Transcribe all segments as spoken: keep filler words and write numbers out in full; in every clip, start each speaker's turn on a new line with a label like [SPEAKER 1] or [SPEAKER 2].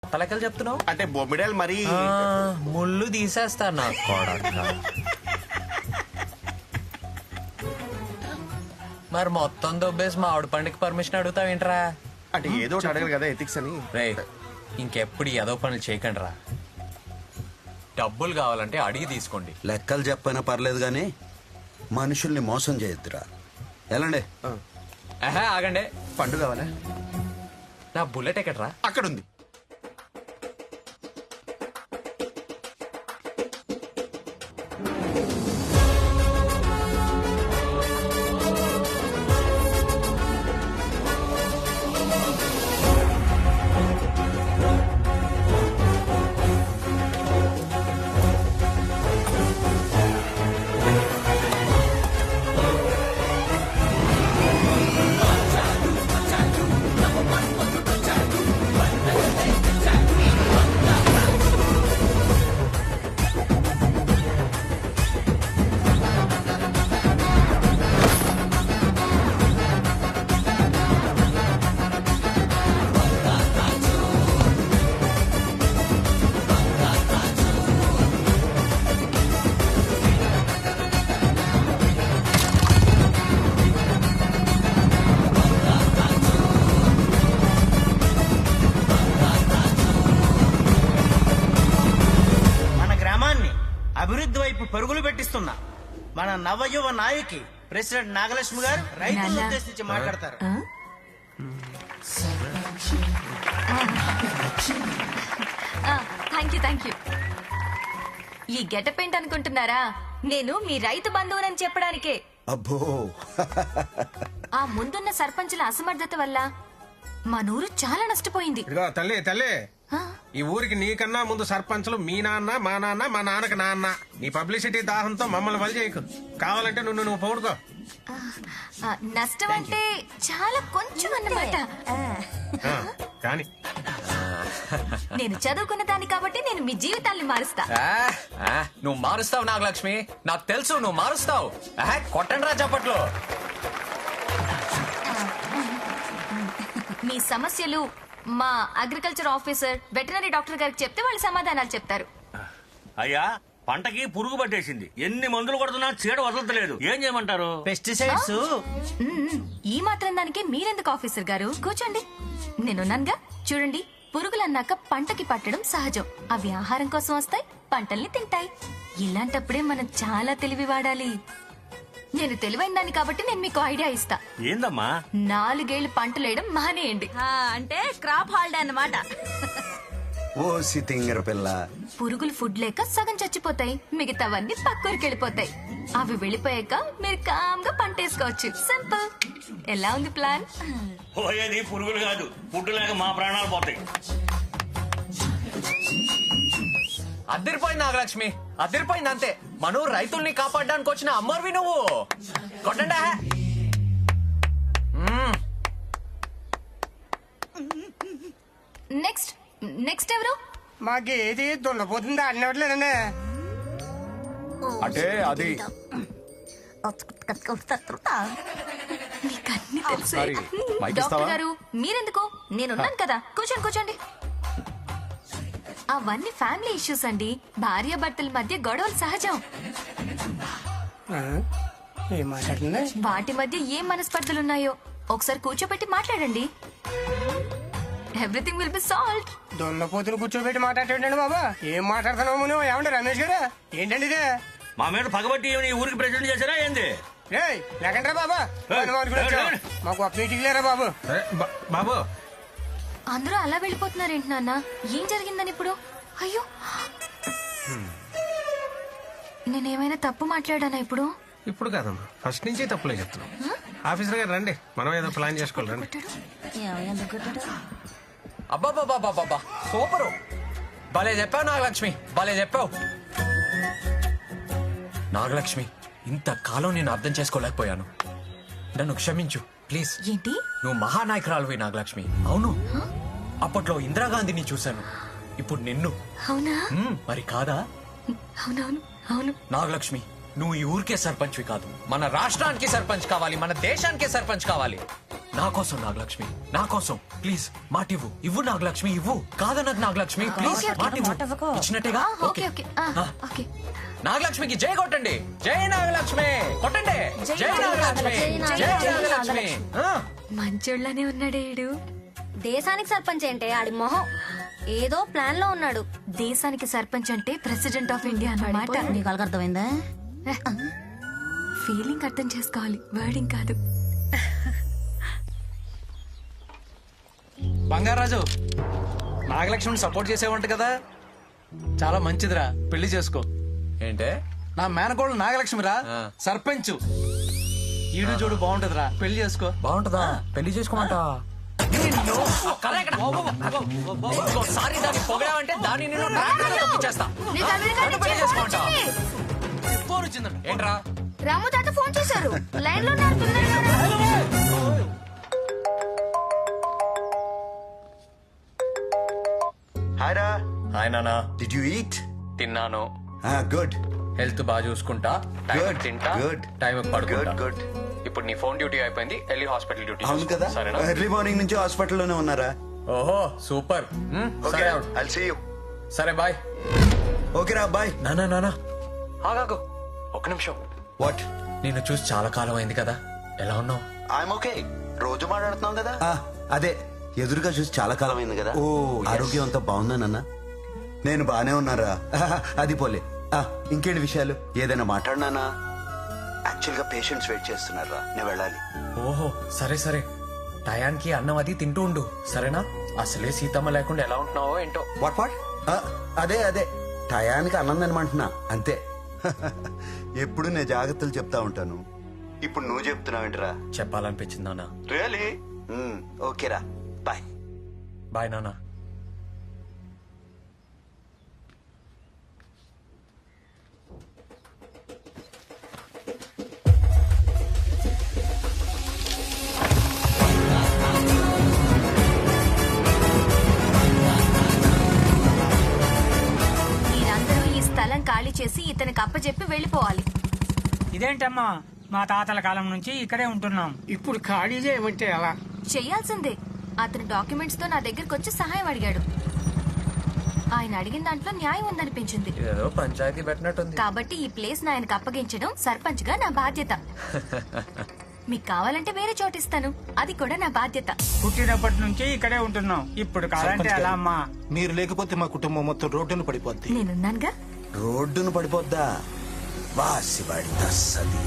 [SPEAKER 1] తలకలు చెప్తున్నావు
[SPEAKER 2] అంటే బొమ్మిడాలు మరి
[SPEAKER 1] ముళ్ళు తీసేస్తా నా కొడక. మరి మొత్తం దొబ్బేసి మా ఆవిడ పండుగ పర్మిషన్ అడుగుతావేంట్రా?
[SPEAKER 2] అంటే ఏదో ఒకటి అడగరు కదా ఎథిక్స్ అని.
[SPEAKER 1] రే ఇంకెప్పుడు ఏదో పనులు చేయకండి రా. డబ్బులు కావాలంటే అడిగి తీసుకోండి.
[SPEAKER 3] లెక్కలు చెప్పైనా పర్లేదు కానీ మనుషుల్ని మోసం చేయొద్దురా. ఎలాండే
[SPEAKER 1] ఆహా ఆగండి.
[SPEAKER 2] పండు కావాలా?
[SPEAKER 1] నా బుల్లెట్ ఎక్కడ్రా?
[SPEAKER 2] అక్కడ ఉంది.
[SPEAKER 4] అభివృద్ధి వైపు పరుగులు పెట్టిస్తున్నా మన నవయువ నాయకి ప్రెసిడెంట్ నాగలక్ష్మి గారు రైతులను ఉద్దేశించి మాట్లాడతారు.
[SPEAKER 5] Thank you thank you. ఈ గెటప్ ఏంటి అనుకుంటున్నారా? నేను మీ రైతు బంధువునని చెప్పడానికే.
[SPEAKER 3] అబ్బో
[SPEAKER 5] ఆ ముందున్న సర్పంచుల అసమర్థత వల్ల మా నూరు చాలా నష్టపోయింది.
[SPEAKER 6] ఇదిగో తల్లి తల్లి, ఈ ఊరికి నీకన్నా ముందు సర్పంచులు మీ నాన్న మా నాన్న మా నాన్నకి నాన్న. నీ పబ్లిసిటీ దాహంతో మమ్మల్ని వలి చేయకు. కావాలంటే నువ్వు నువ్వు పౌడుకో.
[SPEAKER 5] నష్టం అంటే చాలా కొంచెం అన్నమాట.
[SPEAKER 6] కానీ
[SPEAKER 5] నేను చదువుకున్న దాన్ని కాబట్టి నేను మీ జీవితాన్ని మారుస్తా.
[SPEAKER 1] నువ్వు మారుస్తావు నాగలక్ష్మి, నాకు తెలుసు నువ్వు మారుస్తావు. కొట్టండి రా చప్పట్లు.
[SPEAKER 5] మీ సమస్యలు మా అగ్రికల్చర్ ఆఫీసర్ వెటనరీ డాక్టర్ గారికి చెప్తే వాళ్ళు సమాధానాలు చెప్తారు.
[SPEAKER 7] అయ్యా పంటకి పురుగు పట్టేసింది, ఎన్ని మందులు కొడుతున్నా చీడ వదలట్లేదు, ఏం చేయమంటారు?
[SPEAKER 4] పెస్టిసైడ్స్.
[SPEAKER 5] ఈ మాత్రం దానికి మీరెందుకు ఆఫీసర్ గారు? కూర్చోండి, నేనున్నానుగా. చూడండి, పురుగులన్నాక పంటకి పట్టడం సహజం. అవి ఆహారం కోసం వస్తాయి, పంటల్ని తింటాయి. ఇలాంటప్పుడే మనం చాలా తెలివి వాడాలి. నేను తెలివైన దాన్ని కాబట్టి నేను మీకు ఐడియా ఇస్తా.
[SPEAKER 7] ఏందమ్మా?
[SPEAKER 5] నాలుగేళ్లు పంటలు వేయడం మానేయండి.
[SPEAKER 8] అంటే క్రాప్ హాలిడే అన్నమాట.
[SPEAKER 3] ఓ సితింగర పిల్ల,
[SPEAKER 5] పురుగులు ఫుడ్ లేక సగం చచ్చిపోతాయి, మిగతావన్నీ పక్కూరికి వెళ్ళిపోతాయి. అవి వెళ్ళిపోయాక మీరు కామ్గా పంట వేసుకోవచ్చు. సింపుల్. ఎలా ఉంది ప్లాన్?
[SPEAKER 7] పోయేది పురుగులు కాదు, ఫుడ్ లేక మా ప్రాణాలు పోతాయి.
[SPEAKER 1] అదిరిపోయింది నాగలక్ష్మి, అదిరిపోయింది అంతే. మనం రైతుల్ని కాపాడడానికి వచ్చిన అమ్మర్వి నువ్వు. కొట్టండా.
[SPEAKER 5] నెక్స్ట్ నెక్స్ట్ ఎవరు?
[SPEAKER 6] మాకేది దున్నపోతుందా అన్నట్లేదండి.
[SPEAKER 2] అంటే అది
[SPEAKER 5] మీకన్నీ తెలుసు.
[SPEAKER 2] సారీ, మైక్
[SPEAKER 5] డాక్టర్
[SPEAKER 2] ఇస్తావా?
[SPEAKER 5] గారు మీరెందుకు? నేనున్నాను కదా, కూర్చోండి కూర్చోండి. అవన్నీ ఫ్యామిలీ ఇష్యూస్ అండి. భార్య భర్తల మధ్య గొడవలు సహజం.
[SPEAKER 6] ఏం మాట్లాడుతుంది?
[SPEAKER 5] వాటి మధ్య ఏం మనస్పర్ధలున్నాయో ఒకసారి కూర్చోబెట్టి మాట్లాడండి. Everything will be solved.
[SPEAKER 6] దున్నపోతులు కూర్చోబెట్టి మాట్లాడేటండి బాబా. ఏం మాట్లాడుతున్నావు నువ్వు? ఏమండి రమేష్ గారు, ఏంటండి ఇదే?
[SPEAKER 7] మా మీద పగబట్టి ఈ ఊరికి ప్రెసిడెంట్ చేశారా ఏంది?
[SPEAKER 6] రేయ్ లేకండ్రా బాబా, మాకు మీటింగ్ లేరా బాబు. బాబు
[SPEAKER 5] అందరూ అలా వెళ్ళిపోతున్నారేంటి నాన్న? ఏం జరిగిందని ఇప్పుడు? అయ్యో, నేనేమైనా తప్పు మాట్లాడానా ఇప్పుడు?
[SPEAKER 6] ఇప్పుడు కాదమ్మా, ఫస్ట్ నుంచి తప్పులే చెప్తున్నాం. ఆఫీసర్ గారు రండి, మనం ఏదో ప్లాన్ చేసుకోవాలి. రండి.
[SPEAKER 1] అబ్బాబాబాబాబా సూపరు. భలే చెప్పావు నాగలక్ష్మి, భలే చెప్పావు. నాగలక్ష్మి, ఇంతకాలం నేను అర్థం చేసుకోలేకపోయాను. నన్ను క్షమించు ప్లీజ్.
[SPEAKER 5] ఏంటి?
[SPEAKER 1] నువ్వు మహానాయకురాలువి నాగలక్ష్మి. అవును, అప్పట్లో ఇందిరాగాంధీని చూశాను, ఇప్పుడు నిన్ను.
[SPEAKER 5] అవునా?
[SPEAKER 1] మ్మ్, మరి కాదా?
[SPEAKER 5] అవునవును అవును.
[SPEAKER 1] నాగలక్ష్మి, నువ్వు ఈ ఊరికే సర్పంచ్వి కాదు, మన రాష్ట్రానికి సర్పంచ్ కావాలి, మన దేశానికే సర్పంచ్ కావాలి. నా కోసం నాగలక్ష్మి, నా కోసం ప్లీజ్ మాట ఇవ్వు. ఇవ్వు నాగలక్ష్మి, ఇవ్వు. కాదన్నది నాగలక్ష్మి, ప్లీజ్ మాట ఇవ్వు. ఇచ్చినట్టేగా?
[SPEAKER 5] ఓకే ఓకే ఆ, ఓకే
[SPEAKER 1] నాగలక్ష్మికి జై కొట్టండి. జై నాగలక్ష్మి కొట్టండి. జై నాగలక్ష్మి, జై నాగలక్ష్మి. ఆ.
[SPEAKER 5] మంచోళ్ళనే ఉన్నాడే ఈడు.
[SPEAKER 8] దేశానికి సర్పంచ్ ఏంటే ఆడి మొహం ఏదో ప్లాన్ లో ఉన్నాడు.
[SPEAKER 5] దేశానికి సర్పంచ్ అంటే ప్రెసిడెంట్ ఆఫ్ ఇండియా అన్నమాట.
[SPEAKER 8] నీకు అర్థమైందా?
[SPEAKER 5] ఫీలింగ్ అర్థం చేసుకోవాలి, వర్డింగ్ కాదు.
[SPEAKER 9] బంగారాజు, నాగలక్ష్మిని సపోర్ట్ చేసేవంట కదా, చాలా మంచిదిరా, పెళ్లి చేసుకో.
[SPEAKER 1] ఏంటే
[SPEAKER 9] నా మేనకోడలు నాగలక్ష్మిరా,
[SPEAKER 1] ఆ.
[SPEAKER 9] సర్పంచ్. ఈడు చూడు బాగుంటదిరా, పెళ్లి చేసుకో.
[SPEAKER 1] బాగుంటదా? పెళ్లి చేసుకోమంట. ఇంకోసారి దాన్ని పొగడావంటే దాన్ని నేను ట్రాక్టర్లో తొక్కిచ్చేస్తా. నన్ను పెళ్లి చేసుకోమంటా?
[SPEAKER 9] ఫోన్ వచ్చిందంట.
[SPEAKER 1] ఏంట్రా?
[SPEAKER 8] రాము తాత ఫోన్ చేశారు, లైన్ లో ఉన్నారు, తొందరగా రా.
[SPEAKER 3] హాయ్ రా.
[SPEAKER 1] హాయ్ నానా.
[SPEAKER 3] Did you eat?
[SPEAKER 1] తిన్నాను.
[SPEAKER 3] గుడ్.
[SPEAKER 1] హెల్త్ బాగా చూసుకుంటా, టైం
[SPEAKER 3] Good,
[SPEAKER 1] తింటా,
[SPEAKER 3] good.
[SPEAKER 1] టైం పడుకుంటా.
[SPEAKER 3] Good good.
[SPEAKER 1] ఇప్పుడు నీ ఫోన్ డ్యూటీ అయిపోయింది, వెళ్ళి హాస్పిటల్ డ్యూటీ
[SPEAKER 3] అవును
[SPEAKER 1] చూసుకో.
[SPEAKER 3] కదా,
[SPEAKER 1] సరేనా?
[SPEAKER 3] ఎర్లీ మార్నింగ్ నుంచి హాస్పిటల్లోనే ఉన్నారా?
[SPEAKER 1] ఓహో సూపర్. మ్, సరే అవును.
[SPEAKER 3] I'll see you.
[SPEAKER 1] సరే బాయ్.
[SPEAKER 3] ఓకే రా, బాయ్.
[SPEAKER 1] నానా నానా ఆగాగు ఒక నిమిషం.
[SPEAKER 3] వాట్?
[SPEAKER 1] నిన్ను చూసి చాలా కాలం అయింది కదా, ఎలా ఉన్నావు?
[SPEAKER 3] I'm okay. రోజు మాట్లాడుతున్నాం కదా. అదే, ఎదురుగా చూసి చాలా కాలం అయింది కదా. ఓ, ఆరోగ్యం అంతా బాగుందానన్నా? నేను బానే ఉన్నారా. అది పోలే. ఆ, ఇంకేంటి విషయాలు? ఏదైనా మాట్లాడినానా? యాక్చువల్ గా పేషెంట్స్ వెయిట్ చేస్తున్నారా, నేను వెళ్ళాలి.
[SPEAKER 1] ఓహో సరే సరే, టయానికి అన్నం అది తింటూ ఉండు, సరేనా? అసలే సీతమ్మ లేకుండా ఎలా ఉంటున్నావో ఏంటో.
[SPEAKER 3] What what? అదే అదే, టయానికి అన్నం తినమంటున్నా అంతే. ఎప్పుడు నేను జాగ్రత్తలు చెప్తా ఉంటాను, ఇప్పుడు నువ్వు చెప్తున్నావేంట్రా?
[SPEAKER 1] చెప్పాలనిపించింది నాన్న.
[SPEAKER 3] రియలీ? ఓకేరా, బాయ్.
[SPEAKER 1] బాయ్ నాన్న.
[SPEAKER 5] మీరందరూ ఈ స్థలం ఖాళీ చేసి ఇతనికి అప్పచెప్పి వెళ్ళిపోవాలి.
[SPEAKER 10] ఇదేంటమ్మా, మా తాతల కాలం నుంచి ఇక్కడే ఉంటున్నాం, ఇప్పుడు ఖాళీ చేయమంటే ఎలా?
[SPEAKER 5] చెయ్యాల్సిందే. అతను డాక్యుమెంట్స్ తో నా దగ్గరకు వచ్చి సహాయం అడిగాడు. ఆయన అడిగిన దాంట్లో న్యాయం ఉందనిపించింది,
[SPEAKER 1] ఇదేదో పంచాయతీ పెట్టినట్టుంది.
[SPEAKER 5] కాబట్టి ఈ ప్లేస్ ఆయనకు అప్పగించడం సర్పంచ్ గా నా బాధ్యత. మీకు కావాలంటే వేరే చోటు ఇస్తాను, అది కూడా నా బాధ్యత.
[SPEAKER 10] పుట్టినప్పటి నుంచి ఇక్కడే ఉంటున్నాం, ఇప్పుడు కావాలంటే ఎలా అమ్మా?
[SPEAKER 11] మీరు లేకపోతే మా కుటుంబం మొత్తం రోడ్డును పడిపోద్ది.
[SPEAKER 5] నేనున్నానుగా.
[SPEAKER 3] రోడ్డును పడిపోద్దా? వాసివాడి తస్సదియ.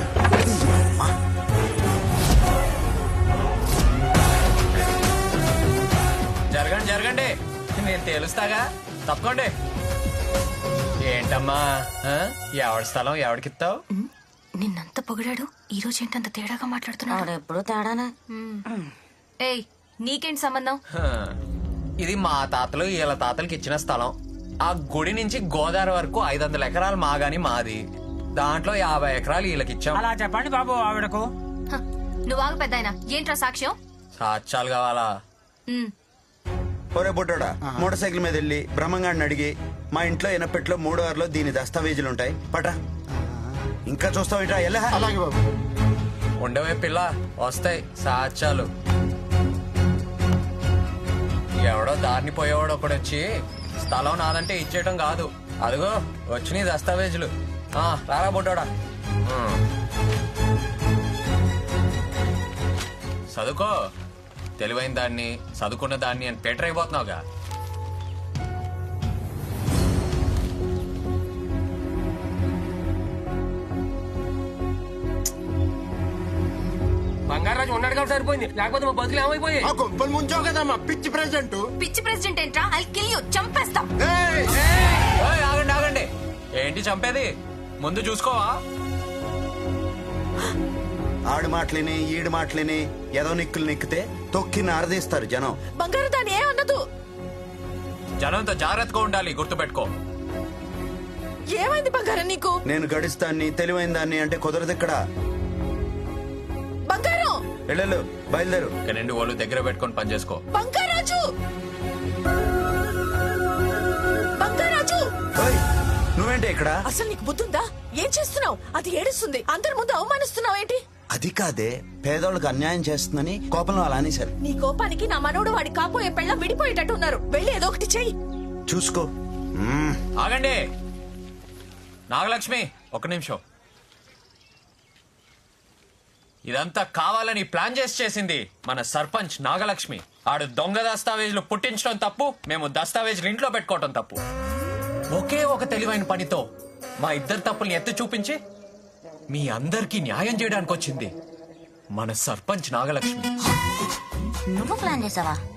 [SPEAKER 1] జరగండి జరగండి, నేను తేలుస్తాగా, తప్పకోండి. ఏంటమ్మా ఆ? ఎవడి స్థలం ఎవడికిస్తావు?
[SPEAKER 5] ఉమ్, నిన్నంత పొగిడాడు, ఈ రోజు ఏంటంత తేడాగా మాట్లాడుతున్నాడు?
[SPEAKER 8] ఎప్పుడు తేడానే.
[SPEAKER 5] ఏయ్, నీకేంటి సంబంధం?
[SPEAKER 1] హ, ఇది మా తాతలు వీళ్ళ తాతలకి ఇచ్చిన స్థలం. ఆ గుడి నుంచి గోదావరి వరకు ఐదు వందల ఎకరాలు మాగాని మాది, దాంట్లో యాభై ఎకరాలు వీళ్ళకి ఇచ్చాం.
[SPEAKER 10] అలా చెప్పండి బాబు ఆవిడకు.
[SPEAKER 5] హ, నువ్వు ఆగు పెద్దాయన, ఏంట్రా సాక్ష్యం?
[SPEAKER 1] సాక్ష్యాలు కావాలా?
[SPEAKER 5] ఉమ్,
[SPEAKER 3] ఒరే బుట్టోడా, మోటార్ సైకిల్ మీద వెళ్ళి బ్రహ్మంగాడిని అడిగి, మా ఇంట్లో ఎనపెట్లో మూడో ఆరులో దీని దస్తావేజులు ఉంటాయి, పట్రా. ఇంకా చూస్తావు ఎలా?
[SPEAKER 11] అలాగే బాబు.
[SPEAKER 1] ఉండవే పిల్ల, వస్తాయి సాక్ష్యాలు. ఎవడో దారిని పోయేవాడు ఒకడు వచ్చి స్థలం నాదంటే ఇచ్చేయటం కాదు, అదిగో వచ్చినాయి దస్తావేజులు. ఆ, రారా బొడ్డోడా. ఉమ్. చదువుకో, తెలివైన దాన్ని చదువుకున్న దాన్ని అని పేటర్ అయిపోతున్నావుగా.
[SPEAKER 6] బంగారాజు ఉన్నాడు కాబట్టి సరిపోయింది, లేకపోతే మా బతులు ఏమైపోయాయి?
[SPEAKER 11] ఆ గొప్పలు ముంచావు కదా మా పిచ్చి ప్రెసిడెంట్.
[SPEAKER 5] పిచ్చి ప్రెసిడెంట్ ఏంట్రా? ఐ కిల్ యు, చంపేస్తా.
[SPEAKER 1] ఏయ్, ఆగండి ఆగండి, ఏంటి చంపేది? ముందు చూసుకోవా?
[SPEAKER 3] ఆడు మాటలిని ఈడు మాటలిని ఏదో నిక్కులు నిక్కితే తొక్కి నారదీస్తారు జనం.
[SPEAKER 8] బంగారు దాన్ని ఏ అన్నదు.
[SPEAKER 1] జనంతో జాగ్రత్తగా ఉండాలి, గుర్తుపెట్టుకో.
[SPEAKER 8] ఏమైంది బంగారం నీకు?
[SPEAKER 3] నేను గడిస్తాన్ని తెలివైన దాన్ని అంటే కుదరదు ఇక్కడ.
[SPEAKER 8] బంగారం
[SPEAKER 3] వెళ్ళు, బయలుదేరు.
[SPEAKER 1] ఇక రెండు వాళ్ళు దగ్గర పెట్టుకొని పని చేసుకో.
[SPEAKER 8] బంగారాజు, బంగారాజు,
[SPEAKER 3] ఓయ్, నువ్వేంటి ఇక్కడ?
[SPEAKER 8] అసలు నీకు బుద్ధుందా? ఏం చేస్తున్నావు? అది ఏడుస్తుంది, అందరి ముందు అవమానిస్తున్నావు ఏంటి?
[SPEAKER 3] అది కాదే పేదోళ్ళకి అన్యాయం చేస్తుందని కోపంలో అలా అనేశారు.
[SPEAKER 8] నీ కోపానికి నా మనోడు వాడి కాపోయే పెళ్ళ విడిపోయేటట్టు ఉన్నారు. వెళ్ళి ఏదో ఒకటి చెయ్యి.
[SPEAKER 3] చూసుకో. మ్మ్.
[SPEAKER 1] ఆగండి నాగలక్ష్మి, ఒక నిమిషం. ఇదంతా కావాలని ప్లాన్ చేసి చేసింది మన సర్పంచ్ నాగలక్ష్మి. ఆడు దొంగ దస్తావేజులు పుట్టించడం తప్పు, మేము దస్తావేజులు ఇంట్లో పెట్టుకోవటం తప్పు. ఒకే ఒక తెలివైన పనితో మా ఇద్దరు తప్పుల్ని ఎత్తి చూపించి మీ అందరికీ న్యాయం చేయడానికి వచ్చింది మన సర్పంచ్ నాగలక్ష్మి.
[SPEAKER 8] నువ్వు ప్లాన్ చేసావా?